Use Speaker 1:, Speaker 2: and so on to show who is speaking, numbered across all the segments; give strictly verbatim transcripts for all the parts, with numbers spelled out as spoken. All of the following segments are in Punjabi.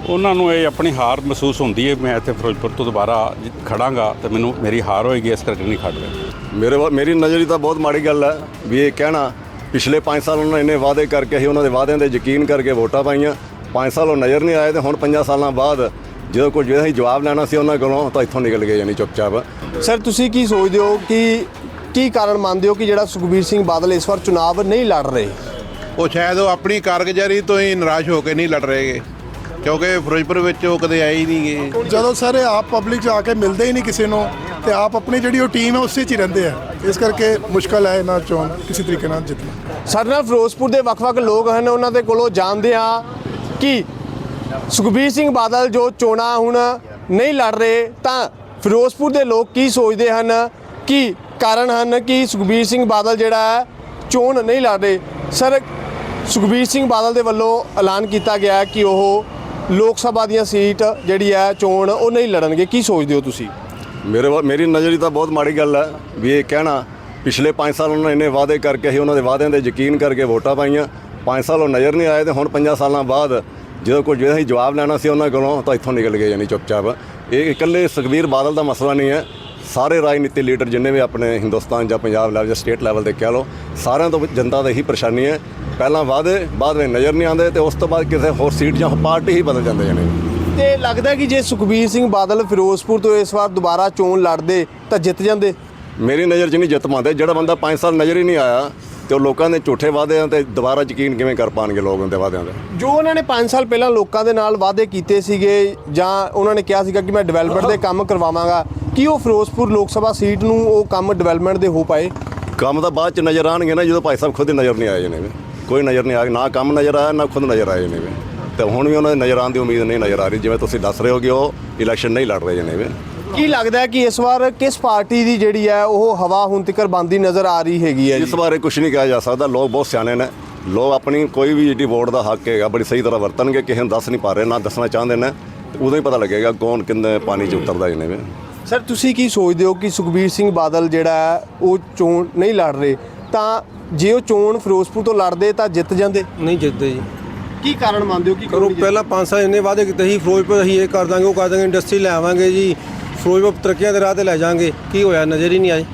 Speaker 1: ਉਹਨਾਂ ਨੂੰ ਇਹ ਆਪਣੀ ਹਾਰ ਮਹਿਸੂਸ ਹੁੰਦੀ ਹੈ। ਮੈਂ ਇੱਥੇ ਫਿਰੋਜ਼ਪੁਰ ਤੋਂ ਦੁਬਾਰਾ ਖੜਾਂਗਾ ਤੇ ਮੈਨੂੰ ਮੇਰੀ ਹਾਰ ਹੋਏਗੀ, ਇਸ ਕਰਕੇ ਨਹੀਂ ਖੜ ਰਿਹਾ।
Speaker 2: ਮੇਰੇ ਮੇਰੀ ਨਜ਼ਰ 'ਚ ਤਾਂ ਬਹੁਤ ਮਾੜੀ ਗੱਲ ਹੈ ਵੀ ਇਹ ਕਹਿਣਾ ਪਿਛਲੇ ਪੰਜ ਸਾਲ ਉਹਨਾਂ ਇੰਨੇ ਵਾਅਦੇ ਕਰਕੇ ਅਸੀਂ ਉਹਨਾਂ ਦੇ ਵਾਅਦਿਆਂ 'ਤੇ ਯਕੀਨ ਕਰਕੇ ਵੋਟਾਂ ਪਾਈਆਂ, ਪੰਜ ਸਾਲ ਉਹ ਨਜ਼ਰ ਨਹੀਂ ਆਏ ਤੇ ਹੁਣ ਪੰਜਾਂ ਸਾਲਾਂ ਬਾਅਦ ਜਦੋਂ ਕੋਈ ਜਿਹੜਾ ਅਸੀਂ ਜਵਾਬ ਲੈਣਾ ਸੀ ਉਹਨਾਂ ਕੋਲੋਂ ਤਾਂ ਇੱਥੋਂ ਨਿਕਲ ਗਏ ਯਾਨੀ ਚੁੱਪਚਾਪ।
Speaker 3: ਸਰ ਤੁਸੀਂ ਕੀ ਸੋਚਦੇ ਹੋ ਕਿ ਕੀ ਕਾਰਨ ਮੰਨਦੇ ਹੋ ਕਿ ਜਿਹੜਾ ਸੁਖਬੀਰ ਸਿੰਘ ਬਾਦਲ ਇਸ ਵਾਰ ਚੁਣਾਵ ਨਹੀਂ ਲੜ ਰਹੇ?
Speaker 4: ਉਹ ਸ਼ਾਇਦ ਉਹ ਆਪਣੀ ਕਾਰਗੁਜ਼ਾਰੀ ਤੋਂ ਹੀ ਨਿਰਾਸ਼ ਹੋ ਕੇ ਨਹੀਂ ਲੜ ਰਹੇਗੇ, ਕਿਉਂਕਿ ਫਿਰੋਜ਼ਪੁਰ ਵਿੱਚ ਉਹ ਕਦੇ ਆਏ ਹੀ ਨਹੀਂ ਗਏ।
Speaker 5: ਜਦੋਂ ਸਾਰੇ ਆਪ ਪਬਲਿਕ 'ਚ ਆ ਕੇ ਮਿਲਦੇ ਹੀ ਨਹੀਂ ਕਿਸੇ ਨੂੰ ਤੇ ਆਪ ਆਪਣੀ ਜਿਹੜੀ ਉਹ ਟੀਮ ਹੈ ਉਸੇ 'ਚ ਹੀ ਰਹਿੰਦੇ ਆ, ਇਸ ਕਰਕੇ ਮੁਸ਼ਕਲ ਹੈ ਇਹਨਾਂ ਚੋਣ ਕਿਸੇ ਤਰੀਕੇ ਨਾਲ ਜਿੱਤਣਾ।
Speaker 3: ਸਾਡੇ ਨਾਲ ਫਿਰੋਜ਼ਪੁਰ ਦੇ ਵੱਖ-ਵੱਖ ਲੋਕ ਹਨ, ਉਹਨਾਂ ਦੇ ਕੋਲੋਂ ਜਾਣਦੇ ਹਾਂ ਕਿ ਸੁਖਬੀਰ ਸਿੰਘ ਬਾਦਲ ਜੋ ਚੋਣਾਂ ਹੁਣ ਨਹੀਂ ਲੜ ਰਹੇ ਤਾਂ ਫਿਰੋਜ਼ਪੁਰ ਦੇ ਲੋਕ ਕੀ ਸੋਚਦੇ ਹਨ, ਕੀ ਕਾਰਨ ਹਨ ਕਿ ਸੁਖਬੀਰ ਸਿੰਘ ਬਾਦਲ ਜਿਹੜਾ ਹੈ ਚੋਣ ਨਹੀਂ ਲੜ ਰਹੇ। ਸਰ ਸੁਖਬੀਰ ਸਿੰਘ ਬਾਦਲ ਦੇ ਵੱਲੋਂ ਐਲਾਨ ਕੀਤਾ ਗਿਆ ਕਿ ਉਹ ਲੋਕ ਸਭਾ ਦੀਆਂ ਸੀਟ ਜਿਹੜੀ ਹੈ ਚੋਣ ਉਹ ਨਹੀਂ ਲੜਨਗੇ, ਕੀ ਸੋਚਦੇ ਹੋ ਤੁਸੀਂ?
Speaker 2: ਮੇਰੇ ਮੇਰੀ ਨਜ਼ਰ 'ਚ ਤਾਂ ਬਹੁਤ ਮਾੜੀ ਗੱਲ ਹੈ ਵੀ ਇਹ ਕਹਿਣਾ ਪਿਛਲੇ ਪੰਜ ਸਾਲ ਉਹਨਾਂ ਇੰਨੇ ਵਾਅਦੇ ਕਰਕੇ ਅਸੀਂ ਉਹਨਾਂ ਦੇ ਵਾਅਦਿਆਂ 'ਤੇ ਯਕੀਨ ਕਰਕੇ ਵੋਟਾਂ ਪਾਈਆਂ, ਪੰਜ ਸਾਲ ਉਹ ਨਜ਼ਰ ਨਹੀਂ ਆਏ ਤੇ ਹੁਣ ਪੰਜਾਂ ਸਾਲਾਂ ਬਾਅਦ ਜਦੋਂ ਕੋਈ ਜਿਹੜਾ ਅਸੀਂ ਜਵਾਬ ਲੈਣਾ ਸੀ ਉਹਨਾਂ ਕੋਲੋਂ ਤਾਂ ਇੱਥੋਂ ਨਿਕਲ ਗਏ ਯਾਨੀ ਚੁੱਪਚਾਪ। ਇਹ ਇਕੱਲੇ ਸੁਖਬੀਰ ਬਾਦਲ ਦਾ ਮਸਲਾ ਨਹੀਂ ਹੈ, ਸਾਰੇ ਰਾਜਨੀਤੀ ਲੀਡਰ ਜਿੰਨੇ ਵੀ ਆਪਣੇ ਹਿੰਦੁਸਤਾਨ ਜਾਂ ਪੰਜਾਬ ਲੈਵਲ ਜਾਂ ਸਟੇਟ ਲੈਵਲ 'ਤੇ ਕਹਿ ਲਓ, ਸਾਰਿਆਂ ਤੋਂ ਜਨਤਾ ਦਾ ਇਹੀ ਪਰੇਸ਼ਾਨੀ ਹੈ। ਪਹਿਲਾਂ ਵਾਅਦੇ ਬਾਅਦ ਵਿੱਚ ਨਜ਼ਰ ਨਹੀਂ ਆਉਂਦੇ ਤੇ ਉਸ ਤੋਂ ਬਾਅਦ ਕਿਸੇ ਹੋਰ ਸੀਟ ਜਾਂ ਪਾਰਟੀ ਹੀ ਬਦਲ ਜਾਂਦੇ ਜਾਨੇ।
Speaker 3: ਤੇ ਲੱਗਦਾ ਕਿ ਜੇ ਸੁਖਬੀਰ ਸਿੰਘ ਬਾਦਲ ਫਿਰੋਜ਼ਪੁਰ ਤੋਂ ਇਸ ਵਾਰ ਦੁਬਾਰਾ ਚੋਣ ਲੜਦੇ ਤਾਂ ਜਿੱਤ ਜਾਂਦੇ?
Speaker 2: ਮੇਰੀ ਨਜ਼ਰ 'ਚ ਨਹੀਂ ਜਿੱਤ ਪਾਉਂਦੇ। ਜਿਹੜਾ ਬੰਦਾ ਪੰਜ ਸਾਲ ਨਜ਼ਰ ਹੀ ਨਹੀਂ ਆਇਆ ਤੇ ਉਹ ਲੋਕਾਂ ਦੇ ਝੂਠੇ ਵਾਅਦਿਆਂ 'ਤੇ ਦੁਬਾਰਾ ਯਕੀਨ ਕਿਵੇਂ ਕਰ ਪਾਉਣਗੇ ਲੋਕ ਉਹਦੇ ਵਾਅਦਿਆਂ 'ਤੇ?
Speaker 3: ਜੋ ਉਹਨਾਂ ਨੇ ਪੰਜ ਸਾਲ ਪਹਿਲਾਂ ਲੋਕਾਂ ਦੇ ਨਾਲ ਵਾਅਦੇ ਕੀਤੇ ਸੀਗੇ ਜਾਂ ਉਹਨਾਂ ਨੇ ਕਿਹਾ ਸੀਗਾ ਕਿ ਮੈਂ ਡਿਵੈਲਪਮੈਂਟ ਦੇ ਕੰਮ ਕਰਵਾਵਾਂਗਾ, ਕੀ ਉਹ ਫਿਰੋਜ਼ਪੁਰ ਲੋਕ ਸਭਾ ਸੀਟ ਨੂੰ ਉਹ ਕੰਮ ਡਿਵੈਲਪਮੈਂਟ ਦੇ ਹੋ ਪਾਏ?
Speaker 2: ਕੰਮ ਤਾਂ ਬਾਅਦ 'ਚ ਨਜ਼ਰ ਆਉਣਗੇ ਨਾ, ਜਦੋਂ ਭਾਈ ਸਾਹਿਬ ਖੁਦ ਹੀ ਨਜ਼ਰ ਨਹੀਂ ਆਏ ਨੇ, ਕੋਈ ਨਜ਼ਰ ਨਹੀਂ ਆਇਆ, ਨਾ ਕੰਮ ਨਜ਼ਰ ਆਇਆ ਨਾ ਖੁਦ ਨਜ਼ਰ ਆਏ ਨੇ। ਤੇ ਹੁਣ ਵੀ ਉਹਨਾਂ ਦੇ ਨਜ਼ਰ ਆਉਣ ਦੀ ਉਮੀਦ ਨਹੀਂ ਨਜ਼ਰ ਆ ਰਹੀ, ਜਿਵੇਂ ਤੁਸੀਂ ਦੱਸ ਰਹੇ ਹੋ ਕਿ ਉਹ ਇਲੈਕਸ਼ਨ ਨਹੀਂ ਲੜ ਰਹੇ ਨੇ।
Speaker 3: ਕੀ ਲੱਗਦਾ ਕਿ ਇਸ ਵਾਰ ਕਿਸ ਪਾਰਟੀ ਦੀ ਜਿਹੜੀ ਹੈ ਉਹ ਹਵਾ ਹੁਣ ਤੱਕ ਬੰਦੀ ਨਜ਼ਰ ਆ ਰਹੀ ਹੈਗੀ ਹੈ?
Speaker 2: ਇਸ ਬਾਰੇ ਕੁਝ ਨਹੀਂ ਕਿਹਾ ਜਾ ਸਕਦਾ। ਲੋਕ ਬਹੁਤ ਸਿਆਣੇ ਨੇ, ਲੋਕ ਆਪਣੀ ਕੋਈ ਵੀ ਜਿਹੜੀ ਵੋਟ ਦਾ ਹੱਕ ਹੈਗਾ ਬੜੀ ਸਹੀ ਤਰ੍ਹਾਂ ਵਰਤਣਗੇ। ਕਿਸੇ ਨੂੰ ਦੱਸ ਨਹੀਂ ਪਾ ਰਹੇ, ਨਾ ਦੱਸਣਾ ਚਾਹੁੰਦੇ ਨੇ, ਉਦੋਂ ਹੀ ਪਤਾ ਲੱਗੇਗਾ ਕੌਣ ਕਿੰਨੇ ਪਾਣੀ 'ਚ ਉਤਰਦਾ ਇਹਨੇ ਵੀ।
Speaker 3: ਸਰ ਤੁਸੀਂ ਕੀ ਸੋਚਦੇ ਹੋ ਕਿ ਸੁਖਬੀਰ ਸਿੰਘ ਬਾਦਲ ਜਿਹੜਾ ਹੈ ਉਹ ਚੋਣ ਨਹੀਂ ਲੜ ਰਹੇ ਤਾਂ ਜੇ ਉਹ ਚੋਣ ਫਿਰੋਜ਼ਪੁਰ ਤੋਂ ਲੜਦੇ ਤਾਂ ਜਿੱਤ ਜਾਂਦੇ?
Speaker 6: ਨਹੀਂ ਜਿੱਤਦੇ ਜੀ।
Speaker 3: ਕੀ ਕਾਰਨ ਮੰਨਦੇ ਹੋ ਕਿ
Speaker 6: ਕਰੋ ਪਹਿਲਾਂ ਪੰਜ ਸਾਲ ਇੰਨੇ ਵਾਅਦੇ ਕੀਤੇ ਸੀ, ਫਿਰੋਜ਼ਪੁਰ ਅਸੀਂ ਇਹ ਕਰ ਦਾਂਗੇ ਉਹ ਕਰ ਦਾਂਗੇ, ਇੰਡਸਟਰੀ ਲੈ ਆਵਾਂਗੇ ਜੀ, ਫਿਰੋਜ਼ਪੁਰ ਤਰੱਕੀਆਂ ਦੇ ਰਾਹ ਤੇ ਲੈ ਜਾਵਾਂਗੇ, ਕੀ ਹੋਇਆ? ਨਜ਼ਰ ਹੀ ਨਹੀਂ ਆਈ।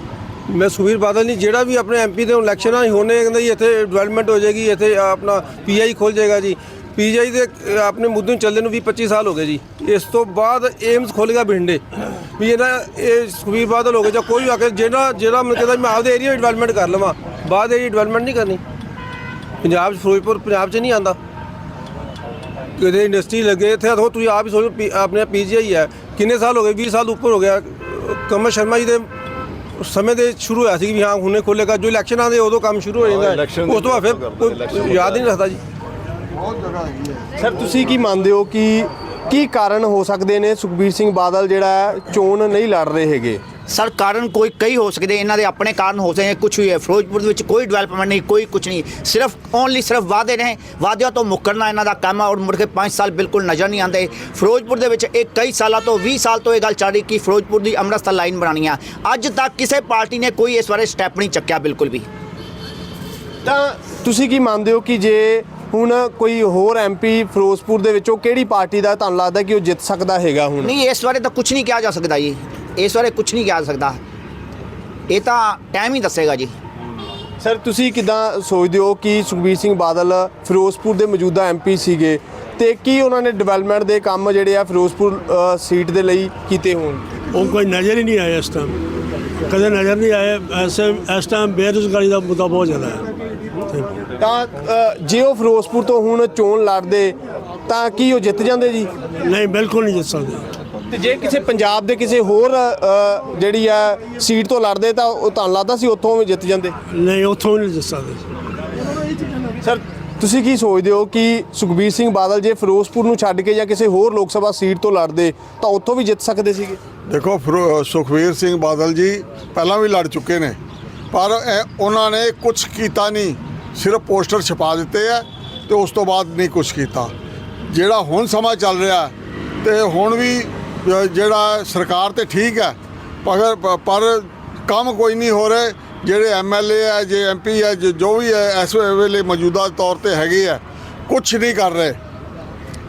Speaker 6: ਮੈਂ ਸੁਖਬੀਰ ਬਾਦਲ ਨਹੀਂ, ਜਿਹੜਾ ਵੀ ਆਪਣੇ ਐਮਪੀ ਦੇ ਇਲੈਕਸ਼ਨ ਆ ਹੋਣੇ ਕਹਿੰਦਾ ਜੀ ਇੱਥੇ ਡਿਵੈਲਪਮੈਂਟ ਹੋ ਜਾਏਗੀ, ਇੱਥੇ ਆਪਣਾ ਪੀਆਈ ਖੁੱਲ ਜਾਏਗਾ ਜੀ। ਪੀਜੀਆਈ ਦੇ ਆਪਣੇ ਮੁੱਦੇ ਨੂੰ ਚੱਲਦੇ ਨੂੰ ਵੀਹ ਪੱਚੀ ਸਾਲ ਹੋ ਗਏ ਜੀ। ਇਸ ਤੋਂ ਬਾਅਦ ਏਮਸ ਖੁੱਲ੍ਹ ਗਿਆ ਬਠਿੰਡੇ ਵੀ ਇਹਨਾਂ ਇਹ ਸੁਖਬੀਰ ਬਾਦਲ ਹੋ ਗਏ ਜਾਂ ਕੋਈ ਵੀ ਆ ਕੇ ਜਿਹੜਾ ਜਿਹੜਾ ਮੈਂ ਕਹਿੰਦਾ ਮੈਂ ਆਪਦੇ ਏਰੀਆ ਡਿਵੈਲਪਮੈਂਟ ਕਰ ਲਵਾਂ, ਬਾਅਦ ਏਰੀਆ ਡਿਵੈਲਪਮੈਂਟ ਨਹੀਂ ਕਰਨੀ। ਪੰਜਾਬ 'ਚ ਫਿਰੋਜ਼ਪੁਰ ਪੰਜਾਬ 'ਚ ਨਹੀਂ ਆਉਂਦਾ, ਕਿਤੇ ਇੰਡਸਟਰੀ ਲੱਗੇ ਇੱਥੇ ਆਖੋ ਤੁਸੀਂ ਆਪ ਹੀ ਸੋਚੋ। ਆਪਣੇ ਪੀਜੀਆਈ ਹੈ ਕਿੰਨੇ ਸਾਲ ਹੋ ਗਏ, ਵੀਹ ਸਾਲ ਉੱਪਰ ਹੋ ਗਿਆ। ਕਮਲ ਸ਼ਰਮਾ ਜੀ ਦੇ ਸਮੇਂ ਦੇ ਸ਼ੁਰੂ ਹੋਇਆ ਸੀ ਵੀ ਹਾਂ ਹੁਣੇ ਖੋਲ੍ਹੇਗਾ, ਜੋ ਇਲੈਕਸ਼ਨ ਆਉਂਦੇ ਉਦੋਂ ਕੰਮ ਸ਼ੁਰੂ ਹੋ ਜਾਂਦਾ, ਉਸ ਤੋਂ ਬਾਅਦ ਫਿਰ ਕੋਈ ਯਾਦ ਹੀ ਨਹੀਂ ਰੱਖਦਾ ਜੀ।
Speaker 3: ਸਰ ਤੁਸੀਂ ਕੀ ਮੰਨਦੇ ਹੋ ਕਿ ਕੀ ਕਾਰਨ ਹੋ ਸਕਦੇ ਨੇ ਸੁਖਬੀਰ ਸਿੰਘ ਬਾਦਲ ਜਿਹੜਾ ਹੈ ਚੋਣ ਨਹੀਂ ਲੜ ਰਹੇ ਹੈਗੇ?
Speaker 7: ਸਰ ਕਾਰਨ ਕੋਈ ਕਈ ਹੋ ਸਕਦੇ, ਇਹਨਾਂ ਦੇ ਆਪਣੇ ਕਾਰਨ ਹੋ ਸਕਦੇ, ਕੁਝ ਵੀ ਹੈ। ਫਿਰੋਜ਼ਪੁਰ ਦੇ ਵਿੱਚ ਕੋਈ ਡਿਵੈਲਪਮੈਂਟ ਨਹੀਂ, ਕੋਈ ਕੁਝ ਨਹੀਂ, ਸਿਰਫ ਓਨਲੀ ਸਿਰਫ ਵਾਅਦੇ ਨੇ, ਵਾਅਦਿਆਂ ਤੋਂ ਮੁੱਕਰਨਾ ਇਹਨਾਂ ਦਾ ਕੰਮ ਹੈ ਔਰ ਮੁੜ ਕੇ ਪੰਜ ਸਾਲ ਬਿਲਕੁਲ ਨਜ਼ਰ ਨਹੀਂ ਆਉਂਦੇ। ਫਿਰੋਜ਼ਪੁਰ ਦੇ ਵਿੱਚ ਇਹ ਕਈ ਸਾਲਾਂ ਤੋਂ ਵੀਹ ਸਾਲ ਤੋਂ ਇਹ ਗੱਲ ਚੱਲ ਰਹੀ ਕਿ ਫਿਰੋਜ਼ਪੁਰ ਦੀ ਅੰਮ੍ਰਿਤਸਰ ਲਾਈਨ ਬਣਾਉਣੀ ਆ, ਅੱਜ ਤੱਕ ਕਿਸੇ ਪਾਰਟੀ ਨੇ ਕੋਈ ਇਸ ਬਾਰੇ ਸਟੈਪ ਨਹੀਂ ਚੱਕਿਆ ਬਿਲਕੁਲ ਵੀ।
Speaker 3: ਤਾਂ ਤੁਸੀਂ ਕੀ ਮੰਨਦੇ ਹੋ ਕਿ ਜੇ ਹੁਣ ਕੋਈ ਹੋਰ ਐਮਪੀ ਫਿਰੋਜ਼ਪੁਰ ਦੇ ਵਿੱਚੋਂ ਕਿਹੜੀ ਪਾਰਟੀ ਦਾ ਤੁਹਾਨੂੰ ਲੱਗਦਾ ਕਿ ਉਹ ਜਿੱਤ ਸਕਦਾ ਹੈਗਾ? ਹੁਣ
Speaker 7: ਨਹੀਂ, ਇਸ ਬਾਰੇ ਤਾਂ ਕੁਝ ਨਹੀਂ ਕਿਹਾ ਜਾ ਸਕਦਾ ਜੀ, ਇਸ ਬਾਰੇ ਕੁਝ ਨਹੀਂ ਕਿਹਾ ਜਾ ਸਕਦਾ, ਇਹ ਤਾਂ ਟਾਈਮ ਹੀ ਦੱਸੇਗਾ ਜੀ।
Speaker 3: ਸਰ ਤੁਸੀਂ ਕਿੱਦਾਂ ਸੋਚਦੇ ਹੋ ਕਿ ਸੁਖਬੀਰ ਸਿੰਘ ਬਾਦਲ ਫਿਰੋਜ਼ਪੁਰ ਦੇ ਮੌਜੂਦਾ ਐਮਪੀ ਸੀਗੇ ਤੇ ਕੀ ਉਹਨਾਂ ਨੇ ਡਿਵੈਲਪਮੈਂਟ ਦੇ ਕੰਮ ਜਿਹੜੇ ਆ ਫਿਰੋਜ਼ਪੁਰ ਸੀਟ ਦੇ ਲਈ ਕੀਤੇ ਹੋਣ?
Speaker 8: ਉਹ ਕੋਈ ਨਜ਼ਰ ਹੀ ਨਹੀਂ ਆਇਆ ਇਸ ਟਾਈਮ, ਕਦੇ ਨਜ਼ਰ ਨਹੀਂ ਆਇਆ। ਐਸੇ ਇਸ ਟਾਈਮ ਬੇਰੁਜ਼ਗਾਰੀ ਦਾ ਮੁੱਦਾ ਬਹੁਤ ਜ਼ਿਆਦਾ ਹੈ।
Speaker 3: ਤਾਂ ਜੇ ਉਹ ਫਿਰੋਜ਼ਪੁਰ ਤੋਂ ਹੁਣ ਚੋਣ ਲੜਦੇ ਤਾਂ ਕੀ ਉਹ ਜਿੱਤ ਜਾਂਦੇ ਜੀ?
Speaker 8: ਨਹੀਂ, ਬਿਲਕੁਲ ਨਹੀਂ ਜਿੱਤ ਸਕਦੇ।
Speaker 3: ਤੇ ਜੇ ਕਿਸੇ ਪੰਜਾਬ ਦੇ ਕਿਸੇ ਹੋਰ ਜਿਹੜੀ ਆ ਸੀਟ ਤੋਂ ਲੜਦੇ ਤਾਂ ਉਹ ਤੁਹਾਨੂੰ ਲੱਗਦਾ ਸੀ ਉੱਥੋਂ ਵੀ ਜਿੱਤ ਜਾਂਦੇ?
Speaker 8: ਨਹੀਂ, ਉੱਥੋਂ ਵੀ ਨਹੀਂ ਜਿੱਤ ਸਕਦੇ।
Speaker 3: ਸਰ ਤੁਸੀਂ ਕੀ ਸੋਚਦੇ ਹੋ ਕਿ ਸੁਖਬੀਰ ਸਿੰਘ ਬਾਦਲ ਜੇ ਫਿਰੋਜ਼ਪੁਰ ਨੂੰ ਛੱਡ ਕੇ ਜਾਂ ਕਿਸੇ ਹੋਰ ਲੋਕ ਸਭਾ ਸੀਟ ਤੋਂ ਲੜਦੇ ਤਾਂ ਉੱਥੋਂ ਵੀ ਜਿੱਤ ਸਕਦੇ ਸੀਗੇ?
Speaker 5: ਦੇਖੋ ਸੁਖਬੀਰ ਸਿੰਘ ਬਾਦਲ ਜੀ ਪਹਿਲਾਂ ਵੀ ਲੜ ਚੁੱਕੇ ਨੇ, ਪਰ ਉਹਨਾਂ ਨੇ ਕੁਝ ਕੀਤਾ ਨਹੀਂ, ਸਿਰਫ ਪੋਸਟਰ ਛਪਾ ਦਿੱਤੇ ਆ ਤੇ ਉਸ ਤੋਂ ਬਾਅਦ ਨਹੀਂ ਕੁਝ ਕੀਤਾ। ਜਿਹੜਾ ਹੁਣ ਸਮਾਂ ਚੱਲ ਰਿਹਾ ਤੇ ਹੁਣ ਵੀ ਜਿਹੜਾ ਸਰਕਾਰ ਤੇ ਠੀਕ ਹੈ, ਪਰ ਪਰ ਕੰਮ ਕੋਈ ਨਹੀਂ ਹੋ ਰਹੇ। ਜਿਹੜੇ ਐਮ ਐਲ ਏ ਹੈ, ਜੇ ਐਮ ਪੀ ਹੈ, ਜੋ ਵੀ ਹੈ ਇਸ ਵੇਲੇ ਮੌਜੂਦਾ ਤੌਰ ਤੇ ਹੈਗੇ ਆ, ਕੁਛ ਨਹੀਂ ਕਰ ਰਹੇ।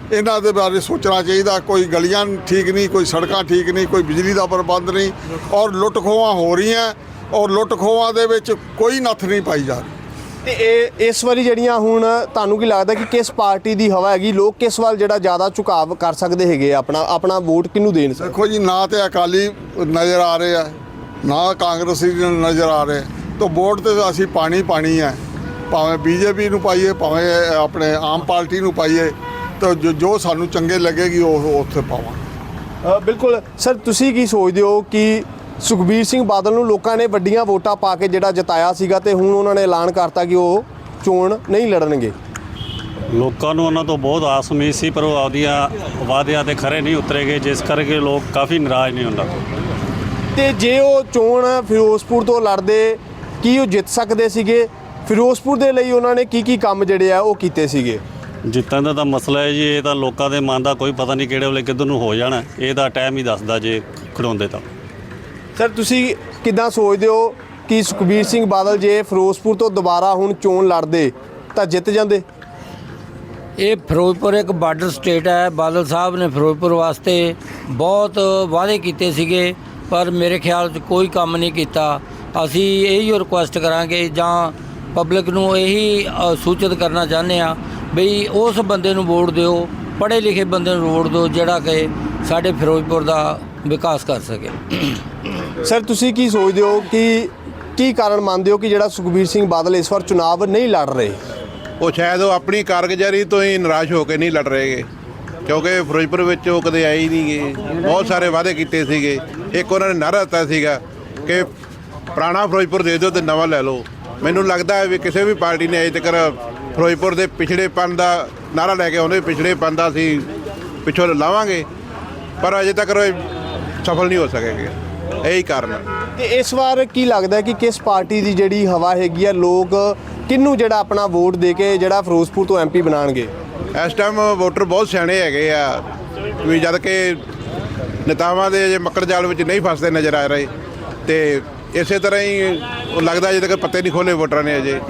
Speaker 5: ਇਹਨਾਂ ਦੇ ਬਾਰੇ ਸੋਚਣਾ ਚਾਹੀਦਾ। ਕੋਈ ਗਲੀਆਂ ਠੀਕ ਨਹੀਂ, ਕੋਈ ਸੜਕਾਂ ਠੀਕ ਨਹੀਂ, ਕੋਈ ਬਿਜਲੀ ਦਾ ਪ੍ਰਬੰਧ ਨਹੀਂ, ਔਰ ਲੁੱਟ ਖੋਹਾਂ ਹੋ ਰਹੀਆਂ, ਔਰ ਲੁੱਟ ਖੋਹਾਂ ਦੇ ਵਿੱਚ ਕੋਈ ਨੱਥ ਨਹੀਂ ਪਾਈ ਜਾ ਰਹੀ।
Speaker 3: ਤੇ ਇਹ ਇਸ ਵਾਰੀ ਜਿਹੜੀਆਂ ਹੁਣ ਤੁਹਾਨੂੰ ਕੀ ਲੱਗਦਾ ਕਿ ਕਿਸ ਪਾਰਟੀ ਦੀ ਹਵਾ ਹੈਗੀ, ਲੋਕ ਕਿਸ ਵੱਲ ਜਿਹੜਾ ਜ਼ਿਆਦਾ ਝੁਕਾਵ ਕਰ ਸਕਦੇ ਹੈਗੇ ਆ, ਆਪਣਾ ਆਪਣਾ ਵੋਟ ਕਿਹਨੂੰ ਦੇਣ ਸਕਦੇ?
Speaker 5: ਦੇਖੋ ਜੀ, ਨਾ ਤੇ ਅਕਾਲੀ ਨਜ਼ਰ ਆ ਰਹੇ ਆ, ਨਾ ਕਾਂਗਰਸੀ ਨਜ਼ਰ ਆ ਰਹੇ, ਤਾਂ ਵੋਟ ਤੇ ਅਸੀਂ ਪਾਣੀ ਪਾਣੀ ਹੈ, ਭਾਵੇਂ ਬੀਜੇਪੀ ਨੂੰ ਪਾਈਏ, ਭਾਵੇਂ ਆਪਣੇ ਆਮ ਪਾਰਟੀ ਨੂੰ ਪਾਈਏ, ਤਾਂ ਜੋ ਜੋ ਸਾਨੂੰ ਚੰਗੇ ਲੱਗੇਗੀ ਉਹ ਉੱਥੇ ਪਾਵਾਂਗੇ।
Speaker 3: ਅ, ਬਿਲਕੁਲ ਸਰ, ਤੁਸੀਂ ਕੀ ਸੋਚਦੇ ਹੋ ਕਿ ਸੁਖਬੀਰ ਸਿੰਘ ਬਾਦਲ ਨੂੰ ਲੋਕਾਂ ਨੇ ਵੱਡੀਆਂ ਵੋਟਾਂ ਪਾ ਕੇ ਜਿਹੜਾ ਜਿਤਾਇਆ ਸੀਗਾ ਤੇ ਹੁਣ ਉਹਨਾਂ ਨੇ ਐਲਾਨ ਕਰਤਾ ਕਿ ਉਹ ਚੋਣ ਨਹੀਂ ਲੜਨਗੇ?
Speaker 9: ਲੋਕਾਂ ਨੂੰ ਉਹਨਾਂ ਤੋਂ ਬਹੁਤ ਆਸ ਉਮੀਦ ਸੀ, ਪਰ ਉਹ ਆਪਦੀਆਂ ਵਾਅਦਿਆਂ ਤੇ ਖਰੇ ਨਹੀਂ ਉਤਰੇਗੇ, ਜਿਸ ਕਰਕੇ ਲੋਕ ਕਾਫੀ ਨਾਰਾਜ਼ ਨੇ ਉਹਨਾਂ ਤੋਂ।
Speaker 3: ਤੇ ਜੇ ਉਹ ਚੋਣ ਫਿਰੋਜ਼ਪੁਰ ਤੋਂ ਲੜਦੇ, ਕੀ ਉਹ ਜਿੱਤ ਸਕਦੇ ਸੀਗੇ? ਫਿਰੋਜ਼ਪੁਰ ਦੇ ਲਈ ਉਹਨਾਂ ਨੇ ਕੀ ਕੀ ਕੰਮ ਜਿਹੜੇ ਆ ਉਹ ਕੀਤੇ ਸੀਗੇ?
Speaker 9: ਜਿੱਤਣ ਦਾ ਤਾਂ ਮਸਲਾ ਹੈ ਜੀ, ਇਹ ਤਾਂ ਲੋਕਾਂ ਦੇ ਮਨ ਦਾ ਕੋਈ ਪਤਾ ਨਹੀਂ ਕਿਹੜੇ ਵੇਲੇ ਕਿੱਧਰ ਨੂੰ ਹੋ ਜਾਣਾ, ਇਹ ਤਾਂ ਟਾਈਮ ਹੀ ਦੱਸਦਾ ਜੇ ਖੜਾਉਂਦੇ ਤਾਂ।
Speaker 3: ਸਰ, ਤੁਸੀਂ ਕਿੱਦਾਂ ਸੋਚਦੇ ਹੋ ਕਿ ਸੁਖਬੀਰ ਸਿੰਘ ਬਾਦਲ ਜੇ ਫਿਰੋਜ਼ਪੁਰ ਤੋਂ ਦੁਬਾਰਾ ਹੁਣ ਚੋਣ ਲੜਦੇ ਤਾਂ ਜਿੱਤ ਜਾਂਦੇ?
Speaker 10: ਇਹ ਫਿਰੋਜ਼ਪੁਰ ਇੱਕ ਬਾਰਡਰ ਸਟੇਟ ਹੈ। ਬਾਦਲ ਸਾਹਿਬ ਨੇ ਫਿਰੋਜ਼ਪੁਰ ਵਾਸਤੇ ਬਹੁਤ ਵਾਅਦੇ ਕੀਤੇ ਸੀਗੇ, ਪਰ ਮੇਰੇ ਖਿਆਲ 'ਚ ਕੋਈ ਕੰਮ ਨਹੀਂ ਕੀਤਾ। ਅਸੀਂ ਇਹੀ ਰਿਕੁਐਸਟ ਕਰਾਂਗੇ ਜਾਂ ਪਬਲਿਕ ਨੂੰ ਇਹੀ ਅ, ਸੂਚਿਤ ਕਰਨਾ ਚਾਹੁੰਦੇ ਆ ਬਈ ਉਸ ਬੰਦੇ ਨੂੰ ਵੋਟ ਦਿਓ, ਪੜ੍ਹੇ ਲਿਖੇ ਬੰਦੇ ਨੂੰ ਵੋਟ ਦਿਓ, ਜਿਹੜਾ ਕਿ ਸਾਡੇ ਫਿਰੋਜ਼ਪੁਰ ਦਾ ਵਿਕਾਸ ਕਰ ਸਕੇ।
Speaker 3: ਸਰ, ਤੁਸੀਂ ਕੀ ਸੋਚਦੇ ਹੋ ਕਿ ਕੀ ਕਾਰਨ ਮੰਨਦੇ ਹੋ ਕਿ ਜਿਹੜਾ ਸੁਖਬੀਰ ਸਿੰਘ ਬਾਦਲ ਇਸ ਵਾਰ ਚੁਣਾਵ ਨਹੀਂ ਲੜ ਰਹੇ?
Speaker 4: ਉਹ ਸ਼ਾਇਦ ਉਹ ਆਪਣੀ ਕਾਰਗੁਜ਼ਾਰੀ ਤੋਂ ਹੀ ਨਿਰਾਸ਼ ਹੋ ਕੇ ਨਹੀਂ ਲੜ ਰਹੇਗੇ, ਕਿਉਂਕਿ ਫਿਰੋਜ਼ਪੁਰ ਵਿੱਚ ਉਹ ਕਦੇ ਆਏ ਹੀ ਨਹੀਂ ਗੇ। ਬਹੁਤ ਸਾਰੇ ਵਾਅਦੇ ਕੀਤੇ ਸੀਗੇ। ਇੱਕ ਉਹਨਾਂ ਨੇ ਨਾਅਰਾ ਦਿੱਤਾ ਸੀਗਾ ਕਿ ਪੁਰਾਣਾ ਫਿਰੋਜ਼ਪੁਰ ਦੇ ਦਿਓ ਤੇ ਨਵਾਂ ਲੈ ਲਓ। ਮੈਨੂੰ ਲੱਗਦਾ ਹੈ ਵੀ ਕਿਸੇ ਵੀ ਪਾਰਟੀ ਨੇ ਅਜੇ ਤੱਕ ਫਿਰੋਜ਼ਪੁਰ ਦੇ ਪਿਛੜੇਪਨ ਦਾ ਨਾਅਰਾ ਲੈ ਕੇ ਆਉਂਦੇ, ਪਿਛੜੇਪਨ ਦਾ ਅਸੀਂ ਪਿੱਛੋਂ ਲਾਵਾਂਗੇ, ਪਰ ਅਜੇ ਤੱਕ ਸਫਲ ਨਹੀਂ ਹੋ ਸਕੇਗੇ। ਇਹੀ ਕਾਰਨ ਹੈ।
Speaker 3: ਤੇ ਇਸ ਵਾਰ ਕੀ ਲੱਗਦਾ ਕਿ ਕਿਸ ਪਾਰਟੀ ਦੀ ਜਿਹੜੀ ਹਵਾ ਹੈਗੀ ਆ, ਲੋਕ ਕਿਹਨੂੰ ਜਿਹੜਾ ਆਪਣਾ ਵੋਟ ਦੇ ਕੇ ਜਿਹੜਾ ਫਿਰੋਜ਼ਪੁਰ ਤੋਂ ਐਮਪੀ ਬਣਾਉਣਗੇ?
Speaker 4: ਇਸ ਟਾਈਮ ਵੋਟਰ ਬਹੁਤ ਸਿਆਣੇ ਹੈਗੇ ਆ, ਵੀ ਜਦ ਕਿ ਨੇਤਾਵਾਂ ਦੇ ਅਜੇ ਮੱਕੜ ਜਾਲ ਵਿੱਚ ਨਹੀਂ ਫਸਦੇ ਨਜ਼ਰ ਆ ਰਹੇ, ਤੇ ਇਸੇ ਤਰ੍ਹਾਂ ਹੀ ਉਹ ਲੱਗਦਾ ਅਜੇ ਤੱਕ ਪੱਤੇ ਨਹੀਂ ਖੋਲੇ ਵੋਟਰਾਂ ਨੇ। ਅਜੇ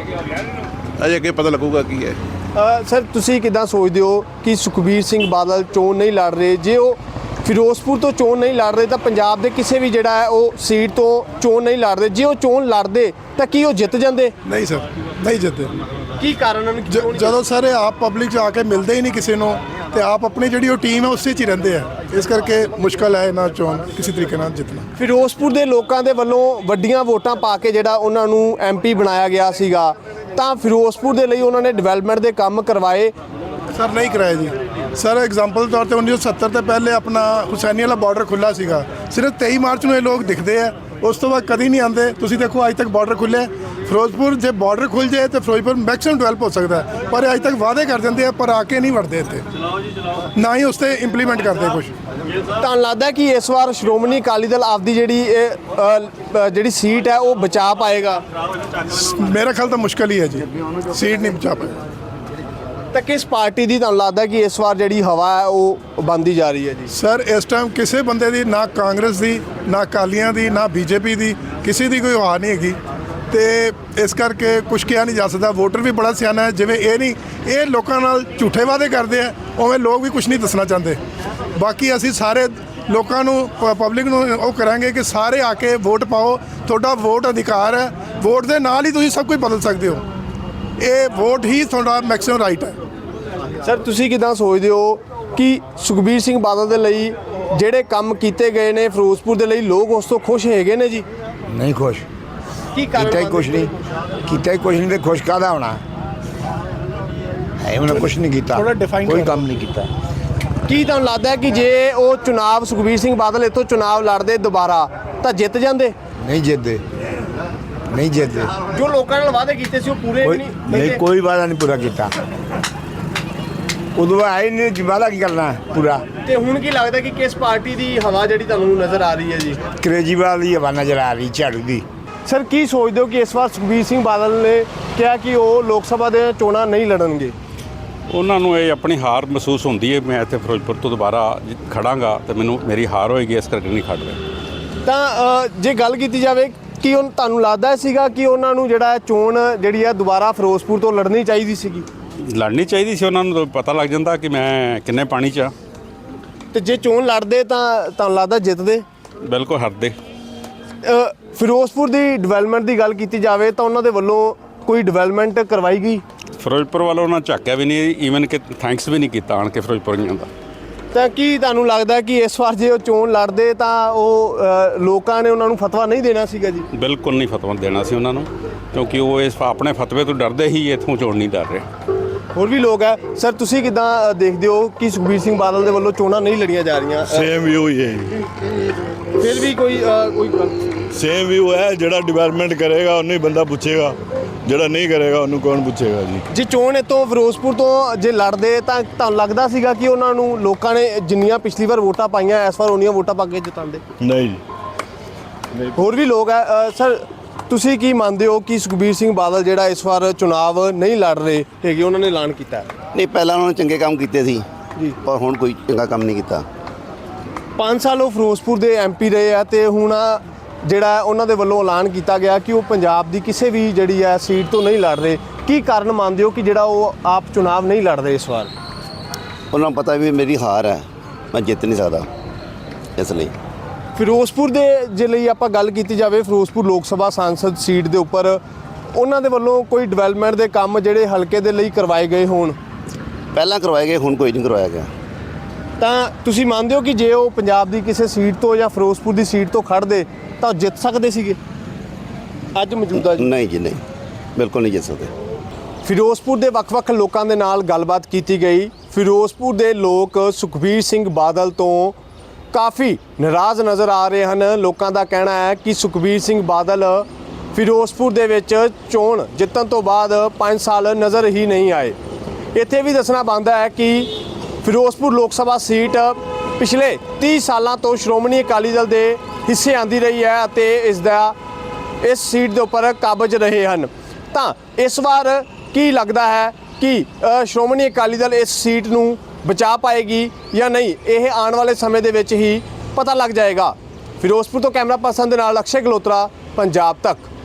Speaker 4: ਅਜੇ ਅੱਗੇ ਪਤਾ ਲੱਗੂਗਾ ਕੀ ਹੈ।
Speaker 3: ਅ, ਸਰ, ਤੁਸੀਂ ਕਿੱਦਾਂ ਸੋਚਦੇ ਹੋ ਕਿ ਸੁਖਬੀਰ ਸਿੰਘ ਬਾਦਲ ਚੋਣ ਨਹੀਂ ਲੜ ਰਹੇ? ਜੇ ਉਹ ਫਿਰੋਜ਼ਪੁਰ ਤੋਂ ਚੋਣ ਨਹੀਂ ਲੜ ਰਹੇ ਤਾਂ ਪੰਜਾਬ ਦੇ ਕਿਸੇ ਵੀ ਜਿਹੜਾ ਹੈ ਉਹ ਸੀਟ ਤੋਂ ਚੋਣ ਨਹੀਂ ਲੜ ਰਹੇ, ਜੇ ਉਹ ਚੋਣ ਲੜਦੇ ਤਾਂ ਕੀ ਉਹ ਜਿੱਤ ਜਾਂਦੇ?
Speaker 11: ਨਹੀਂ ਸਰ, ਨਹੀਂ ਜਿੱਤਦੇ।
Speaker 3: ਕੀ ਕਾਰਨ ਹਨ?
Speaker 11: ਜਦੋਂ ਸਾਰੇ ਆਪ ਪਬਲਿਕ 'ਚ ਆ ਕੇ ਮਿਲਦੇ ਹੀ ਨਹੀਂ ਕਿਸੇ ਨੂੰ, ਤੇ ਆਪ ਆਪਣੀ ਜਿਹੜੀ ਉਹ ਟੀਮ ਹੈ ਉਸੇ 'ਚ ਹੀ ਰਹਿੰਦੇ ਆ, ਇਸ ਕਰਕੇ ਮੁਸ਼ਕਲ ਹੈ ਇਹਨਾਂ ਚੋਣ ਕਿਸੇ ਤਰੀਕੇ ਨਾਲ ਜਿੱਤਣਾ।
Speaker 3: ਫਿਰੋਜ਼ਪੁਰ ਦੇ ਲੋਕਾਂ ਦੇ ਵੱਲੋਂ ਵੱਡੀਆਂ ਵੋਟਾਂ ਪਾ ਕੇ ਜਿਹੜਾ ਉਹਨਾਂ ਨੂੰ ਐਮਪੀ ਬਣਾਇਆ ਗਿਆ ਸੀਗਾ, ਤਾਂ ਫਿਰੋਜ਼ਪੁਰ ਦੇ ਲਈ ਉਹਨਾਂ ਨੇ ਡਿਵੈਲਪਮੈਂਟ ਦੇ ਕੰਮ ਕਰਵਾਏ?
Speaker 11: ਸਰ ਨਹੀਂ ਕਰਾਇਆ ਜੀ। ਸਰ ਐਗਜ਼ਾਮਪਲ ਤੌਰ ਤੇ ਉੱਨੀ ਸੌ ਸੱਤਰ ਤੋਂ ਪਹਿਲੇ ਆਪਣਾ ਹੁਸੈਨੀ ਵਾਲਾ ਬਾਰਡਰ ਖੁੱਲ੍ਹਾ ਸੀਗਾ, ਸਿਰਫ ਤੇਈ ਮਾਰਚ ਨੂੰ ਇਹ ਲੋਕ ਦਿਖਦੇ ਆ, ਉਸ ਤੋਂ ਬਾਅਦ ਕਦੀ ਨਹੀਂ ਆਉਂਦੇ। ਤੁਸੀਂ ਦੇਖੋ ਅੱਜ ਤੱਕ ਬਾਰਡਰ ਖੁੱਲ੍ਹਿਆ। ਫਿਰੋਜ਼ਪੁਰ ਜੇ ਬਾਰਡਰ ਖੁੱਲ੍ਹ ਜਾਏ ਤਾਂ ਫਿਰੋਜ਼ਪੁਰ ਮੈਕਸਿਮਮ ਡਿਵੈਲਪ ਹੋ ਸਕਦਾ ਹੈ, ਪਰ ਅੱਜ ਤੱਕ ਵਾਅਦੇ ਕਰ ਦਿੰਦੇ ਆ ਪਰ ਆ ਕੇ ਨਹੀਂ ਵੜਦੇ ਇੱਥੇ, ਨਾ ਹੀ ਉਸ 'ਤੇ ਇੰਪਲੀਮੈਂਟ ਕਰਦੇ ਕੁਝ।
Speaker 3: ਤੁਹਾਨੂੰ ਲੱਗਦਾ ਕਿ ਇਸ ਵਾਰ ਸ਼੍ਰੋਮਣੀ ਅਕਾਲੀ ਦਲ ਆਪਦੀ ਜਿਹੜੀ ਇਹ ਅ, ਜਿਹੜੀ ਸੀਟ ਹੈ ਉਹ ਬਚਾ ਪਾਏਗਾ?
Speaker 11: ਮੇਰਾ ਖਿਆਲ ਤਾਂ ਮੁਸ਼ਕਲ ਹੀ ਹੈ ਜੀ, ਸੀਟ ਨਹੀਂ ਬਚਾ ਪਾਏ।
Speaker 3: ਤਾਂ ਕਿਸ ਪਾਰਟੀ ਦੀ ਤੁਹਾਨੂੰ ਲੱਗਦਾ ਕਿ ਇਸ ਵਾਰ ਜਿਹੜੀ ਹਵਾ ਹੈ ਉਹ ਬਣਦੀ ਜਾ ਰਹੀ ਹੈ ਜੀ?
Speaker 11: ਸਰ ਇਸ ਟਾਈਮ ਕਿਸੇ ਬੰਦੇ ਦੀ, ਨਾ ਕਾਂਗਰਸ ਦੀ, ਨਾ ਅਕਾਲੀਆਂ ਦੀ, ਨਾ ਬੀਜੇਪੀ ਦੀ, ਕਿਸੇ ਦੀ ਕੋਈ ਹਵਾ ਨਹੀਂ ਹੈਗੀ, ਤੇ ਇਸ ਕਰਕੇ ਕੁਛ ਕਿਹਾ ਨਹੀਂ ਜਾ ਸਕਦਾ। ਵੋਟਰ ਵੀ ਬੜਾ ਸਿਆਣਾ ਹੈ, ਜਿਵੇਂ ਇਹ ਨਹੀਂ ਇਹ ਲੋਕਾਂ ਨਾਲ ਝੂਠੇ ਵਾਅਦੇ ਕਰਦੇ ਆ, ਉਵੇਂ ਲੋਕ ਵੀ ਕੁਛ ਨਹੀਂ ਦੱਸਣਾ ਚਾਹੁੰਦੇ। ਬਾਕੀ ਅਸੀਂ ਸਾਰੇ ਲੋਕਾਂ ਨੂੰ, ਪਬਲਿਕ ਨੂੰ ਉਹ ਕਰਾਂਗੇ ਕਿ ਸਾਰੇ ਆ ਕੇ ਵੋਟ ਪਾਓ, ਤੁਹਾਡਾ ਵੋਟ ਅਧਿਕਾਰ ਹੈ, ਵੋਟ ਦੇ ਨਾਲ ਹੀ ਤੁਸੀਂ ਸਭ ਕੁਝ ਬਦਲ ਸਕਦੇ ਹੋ, ਇਹ ਵੋਟ ਹੀ ਤੁਹਾਡਾ ਮੈਕਸਿਮਮ ਰਾਈਟ ਹੈ।
Speaker 3: ਸਰ, ਤੁਸੀਂ ਕਿੱਦਾਂ ਸੋਚਦੇ ਹੋ ਕਿ ਸੁਖਬੀਰ ਸਿੰਘ ਬਾਦਲ ਦੇ ਲਈ ਜਿਹੜੇ ਕੰਮ ਕੀਤੇ ਗਏ ਨੇ ਫਿਰੋਜ਼ਪੁਰ ਦੇ ਲਈ, ਲੋਕ ਉਸ ਤੋਂ ਖੁਸ਼ ਹੈਗੇ ਨੇ ਜੀ?
Speaker 12: ਨਹੀਂ ਖੁਸ਼।
Speaker 3: ਕੀ ਕਾਰਨ?
Speaker 12: ਕੀਤਾ ਹੀ ਕੁਛ ਨਹੀਂ, ਕੀਤਾ ਹੀ ਕੁਛ ਨਹੀਂ, ਤੇ ਖੁਸ਼ ਕਾਹਦਾ ਹੋਣਾ ਹੈ? ਉਹਨੇ ਕੁਛ ਨਹੀਂ ਕੀਤਾ, ਕੋਈ ਕੰਮ ਨਹੀਂ ਕੀਤਾ।
Speaker 3: ਕੀ ਤੁਹਾਨੂੰ ਲੱਗਦਾ ਹੈ ਕਿ ਜੇ ਉਹ ਚੁਣਾਵ ਸੁਖਬੀਰ ਸਿੰਘ ਬਾਦਲ ਇੱਥੋਂ ਚੁਣਾਵ ਲੜਦੇ ਦੁਬਾਰਾ ਤਾਂ ਜਿੱਤ ਜਾਂਦੇ?
Speaker 12: ਨਹੀਂ ਜਿੱਤਦੇ, ਨਹੀਂ ਜਿੱਤਦੇ।
Speaker 3: ਜੋ ਲੋਕਾਂ ਨਾਲ ਵਾਅਦੇ ਕੀਤੇ ਸੀ ਉਹ ਪੂਰੇ
Speaker 12: ਕੋਈ
Speaker 3: ਨਹੀਂ
Speaker 12: ਨਹੀਂ, ਕੋਈ ਵਾਅਦਾ ਨਹੀਂ ਪੂਰਾ ਕੀਤਾ। ਉਦੋਂ ਆਏ ਨਹੀਂ, ਵਾਅਦਾ ਕੀ ਕਰਨਾ ਪੂਰਾ।
Speaker 3: ਤੇ ਹੁਣ ਕੀ ਲੱਗਦਾ ਕਿ ਕਿਸ ਪਾਰਟੀ ਦੀ ਹਵਾ ਜਿਹੜੀ ਤੁਹਾਨੂੰ ਨਜ਼ਰ ਆ ਰਹੀ ਹੈ ਜੀ?
Speaker 12: ਕੇਜਰੀਵਾਲ ਦੀ ਹਵਾ ਨਜ਼ਰ ਆ ਰਹੀ, ਝਾੜੂ ਦੀ।
Speaker 3: ਸਰ, ਕੀ ਸੋਚਦੇ ਹੋ ਕਿ ਇਸ ਵਾਰ ਸੁਖਬੀਰ ਸਿੰਘ ਬਾਦਲ ਨੇ ਕਿਹਾ ਕਿ ਉਹ ਲੋਕ ਸਭਾ ਦੇ ਚੋਣਾਂ ਨਹੀਂ ਲੜਨਗੇ?
Speaker 1: ਉਹਨਾਂ ਨੂੰ ਇਹ ਆਪਣੀ ਹਾਰ ਮਹਿਸੂਸ ਹੁੰਦੀ ਹੈ, ਮੈਂ ਇੱਥੇ ਫਿਰੋਜ਼ਪੁਰ ਤੋਂ ਦੁਬਾਰਾ ਖੜਾਂਗਾ ਤੇ ਮੈਨੂੰ ਮੇਰੀ ਹਾਰ ਹੋਏਗੀ, ਇਸ ਕਰਕੇ ਨਹੀਂ ਖੜ ਰਿਹਾ।
Speaker 3: ਤਾਂ ਅ, ਜੇ ਗੱਲ ਕੀਤੀ ਜਾਵੇ ਕਿ ਉਹ ਤੁਹਾਨੂੰ ਲੱਗਦਾ ਸੀਗਾ ਕਿ ਉਹਨਾਂ ਨੂੰ ਜਿਹੜਾ ਚੋਣ ਜਿਹੜੀ ਆ ਦੁਬਾਰਾ ਫਿਰੋਜ਼ਪੁਰ ਤੋਂ ਲੜਨੀ ਚਾਹੀਦੀ ਸੀਗੀ?
Speaker 1: ਲੜਨੀ ਚਾਹੀਦੀ ਸੀ ਉਹਨਾਂ ਨੂੰ ਤਾਂ ਪਤਾ ਲੱਗ ਜਾਂਦਾ ਕਿ ਮੈਂ ਕਿੰਨੇ ਪਾਣੀ 'ਚ ਆ।
Speaker 3: ਤੇ ਜੇ ਚੋਣ ਲੜਦੇ ਤਾਂ ਤੁਹਾਨੂੰ ਲੱਗਦਾ ਜਿੱਤਦੇ?
Speaker 1: ਬਿਲਕੁਲ ਹਟਦੇ।
Speaker 3: ਅ, ਫਿਰੋਜ਼ਪੁਰ ਦੀ ਡਿਵੈਲਪਮੈਂਟ ਦੀ ਗੱਲ ਕੀਤੀ ਜਾਵੇ ਤਾਂ ਉਹਨਾਂ ਦੇ ਵੱਲੋਂ ਕੋਈ ਡਿਵੈਲਪਮੈਂਟ ਕਰਵਾਈ ਗਈ?
Speaker 1: ਫਿਰੋਜ਼ਪੁਰ ਵੱਲੋਂ ਉਹਨਾਂ ਝਾਕਿਆ ਵੀ ਨਹੀਂ, ਈਵਨ ਕਿ ਥੈਂਕਸ ਵੀ ਨਹੀਂ ਕੀਤਾ ਆਣ ਕੇ ਫਿਰੋਜ਼ਪੁਰੀਆਂ ਦਾ।
Speaker 3: ਤਾਂ ਕੀ ਤੁਹਾਨੂੰ ਲੱਗਦਾ ਕਿ ਇਸ ਵਾਰ ਜੇ ਉਹ ਚੋਣ ਲੜਦੇ ਤਾਂ ਉਹ ਅ, ਲੋਕਾਂ ਨੇ ਉਹਨਾਂ ਨੂੰ ਫਤਵਾ ਨਹੀਂ ਦੇਣਾ ਸੀਗਾ ਜੀ?
Speaker 1: ਬਿਲਕੁਲ ਨਹੀਂ ਫਤਵਾ ਦੇਣਾ ਸੀ ਉਹਨਾਂ ਨੂੰ, ਕਿਉਂਕਿ ਉਹ ਇਸ ਆਪਣੇ ਫਤਵੇ ਤੋਂ ਡਰਦੇ ਹੀ ਇੱਥੋਂ ਚੋਣ ਨਹੀਂ ਡਰ ਰਹੇ।
Speaker 3: ਹੋਰ ਵੀ ਲੋਕ ਹੈ ਸਰ, ਤੁਸੀਂ ਕਿਦਾਂ ਦੇਖਦੇ ਹੋ ਕਿ ਸੁਖਬੀਰ ਸਿੰਘ ਬਾਦਲ ਦੇ ਵੱਲੋਂ ਚੋਣਾਂ ਨਹੀਂ ਲੜੀਆਂ ਜਾ ਰਹੀਆਂ?
Speaker 13: ਸੇਮ ਵਿਊ ਹੀ ਹੈ,
Speaker 3: ਫਿਰ ਵੀ ਕੋਈ ਅ, ਕੋਈ
Speaker 13: ਸੇਮ ਵਿਊ ਹੈ। ਜਿਹੜਾ ਡਿਵੈਲਪਮੈਂਟ ਕਰੇਗਾ ਉਹਨੂੰ ਹੀ ਬੰਦਾ ਪੁੱਛੇਗਾ, ਜਿਹੜਾ ਨਹੀਂ ਕਰੇਗਾ ਉਹਨੂੰ ਕੌਣ ਪੁੱਛੇਗਾ ਜੀ।
Speaker 3: ਜੇ ਚੋਣ ਇੱਥੋਂ ਫਿਰੋਜ਼ਪੁਰ ਤੋਂ ਜੇ ਲੜਦੇ ਤਾਂ ਤੁਹਾਨੂੰ ਲੱਗਦਾ ਸੀਗਾ ਕਿ ਉਹਨਾਂ ਨੂੰ ਲੋਕਾਂ ਨੇ ਜਿੰਨੀਆਂ ਪਿਛਲੀ ਵਾਰ ਵੋਟਾਂ ਪਾਈਆਂ ਇਸ ਵਾਰ ਉਹਨੀਆਂ ਵੋਟਾਂ ਪਾ ਕੇ ਜਿਤਾਉਂਦੇ?
Speaker 13: ਨਹੀਂ ਜੀ।
Speaker 3: ਹੋਰ ਵੀ ਲੋਕ ਹੈ ਅ, ਸਰ ਤੁਸੀਂ ਕੀ ਮੰਨਦੇ ਹੋ ਕਿ ਸੁਖਬੀਰ ਸਿੰਘ ਬਾਦਲ ਜਿਹੜਾ ਇਸ ਵਾਰ ਚੁਣਾਵ ਨਹੀਂ ਲੜ ਰਹੇ ਹੈਗੇ, ਉਹਨਾਂ ਨੇ ਐਲਾਨ ਕੀਤਾ?
Speaker 14: ਨਹੀਂ, ਪਹਿਲਾਂ ਉਹਨਾਂ ਨੇ ਚੰਗੇ ਕੰਮ ਕੀਤੇ ਸੀ
Speaker 3: ਜੀ,
Speaker 14: ਪਰ ਹੁਣ ਕੋਈ ਚੰਗਾ ਕੰਮ ਨਹੀਂ ਕੀਤਾ।
Speaker 3: ਪੰਜ ਸਾਲ ਉਹ ਫਿਰੋਜ਼ਪੁਰ ਦੇ ਐਮਪੀ ਰਹੇ ਆ ਤੇ ਹੁਣ ਜਿਹੜਾ ਉਹਨਾਂ ਦੇ ਵੱਲੋਂ ਐਲਾਨ ਕੀਤਾ ਗਿਆ ਕਿ ਉਹ ਪੰਜਾਬ ਦੀ ਕਿਸੇ ਵੀ ਜਿਹੜੀ ਹੈ ਸੀਟ ਤੋਂ ਨਹੀਂ ਲੜ ਰਹੇ। ਕੀ ਕਾਰਨ ਮੰਨਦੇ ਹੋ ਕਿ ਜਿਹੜਾ ਉਹ ਆਪ ਚੁਣਾਵ ਨਹੀਂ ਲੜ ਰਹੇ ਇਸ ਵਾਰ?
Speaker 14: ਉਹਨਾਂ ਨੂੰ ਪਤਾ ਵੀ ਮੇਰੀ ਹਾਰ ਹੈ, ਮੈਂ ਜਿੱਤ ਨਹੀਂ ਸਕਦਾ, ਇਸ ਲਈ।
Speaker 3: ਫਿਰੋਜ਼ਪੁਰ ਦੇ ਜੇ ਲਈ ਆਪਾਂ ਗੱਲ ਕੀਤੀ ਜਾਵੇ, ਫਿਰੋਜ਼ਪੁਰ ਲੋਕ ਸਭਾ ਸਾਂਸਦ ਸੀਟ ਦੇ ਉੱਪਰ ਉਹਨਾਂ ਦੇ ਵੱਲੋਂ ਕੋਈ ਡਿਵੈਲਪਮੈਂਟ ਦੇ ਕੰਮ ਜਿਹੜੇ ਹਲਕੇ ਦੇ ਲਈ ਕਰਵਾਏ ਗਏ ਹੋਣ?
Speaker 14: ਪਹਿਲਾਂ ਕਰਵਾਏ ਗਏ, ਹੁਣ ਕੋਈ ਨਹੀਂ ਕਰਵਾਇਆ ਗਿਆ।
Speaker 3: ਤਾਂ ਤੁਸੀਂ ਮੰਨਦੇ ਹੋ ਕਿ ਜੇ ਉਹ ਪੰਜਾਬ ਦੀ ਕਿਸੇ ਸੀਟ ਤੋਂ ਜਾਂ ਫਿਰੋਜ਼ਪੁਰ ਦੀ ਸੀਟ ਤੋਂ ਖੜਦੇ ਤਾਂ ਉਹ ਜਿੱਤ ਸਕਦੇ ਸੀਗੇ ਅੱਜ ਮੌਜੂਦਾ ਜੀ?
Speaker 14: ਨਹੀਂ ਜੀ, ਨਹੀਂ, ਬਿਲਕੁਲ ਨਹੀਂ ਜਿੱਤ ਸਕਦੇ।
Speaker 3: ਫਿਰੋਜ਼ਪੁਰ ਦੇ ਵੱਖ-ਵੱਖ ਲੋਕਾਂ ਦੇ ਨਾਲ ਗੱਲਬਾਤ ਕੀਤੀ ਗਈ। ਫਿਰੋਜ਼ਪੁਰ ਦੇ ਲੋਕ ਸੁਖਬੀਰ ਸਿੰਘ ਬਾਦਲ ਤੋਂ ਕਾਫੀ ਨਾਰਾਜ਼ ਨਜ਼ਰ ਆ ਰਹੇ ਹਨ। ਲੋਕਾਂ ਦਾ ਕਹਿਣਾ ਹੈ ਕਿ ਸੁਖਬੀਰ ਸਿੰਘ ਬਾਦਲ ਫਿਰੋਜ਼ਪੁਰ ਦੇ ਵਿੱਚ ਚੋਣ ਜਿੱਤਣ ਤੋਂ ਬਾਅਦ ਪੰਜ ਸਾਲ ਨਜ਼ਰ ਹੀ ਨਹੀਂ ਆਏ। ਇੱਥੇ ਵੀ ਦੱਸਣਾ ਬਣਦਾ ਹੈ ਕਿ ਫਿਰੋਜ਼ਪੁਰ ਲੋਕ ਸਭਾ ਸੀਟ ਪਿਛਲੇ ਤੀਹ ਸਾਲਾਂ ਤੋਂ ਸ਼੍ਰੋਮਣੀ ਅਕਾਲੀ ਦਲ ਦੇ ਹਿੱਸੇ ਆਂਦੀ ਰਹੀ ਹੈ ਅਤੇ ਇਸ ਦਾ ਇਸ ਸੀਟ ਦੇ ਉੱਪਰ ਕਾਬਜ਼ ਰਹੇ ਹਨ। ਤਾਂ ਇਸ ਵਾਰ ਕੀ ਲੱਗਦਾ ਹੈ ਕਿ ਅ, ਸ਼੍ਰੋਮਣੀ ਅਕਾਲੀ ਦਲ ਇਸ ਸੀਟ ਨੂੰ ਬਚਾ ਪਾਏਗੀ ਜਾਂ ਨਹੀਂ? ਇਹ ਆਉਣ ਵਾਲੇ ਸਮੇਂ ਦੇ ਵਿੱਚ ਹੀ ਪਤਾ ਲੱਗ ਜਾਏਗਾ। ਫਿਰੋਜ਼ਪੁਰ ਤੋਂ ਕੈਮਰਾ ਪਰਸਨ ਦੇ ਨਾਲ ਅਕਸ਼ੇ ਗਲੋਤਰਾ, ਪੰਜਾਬ ਤੱਕ।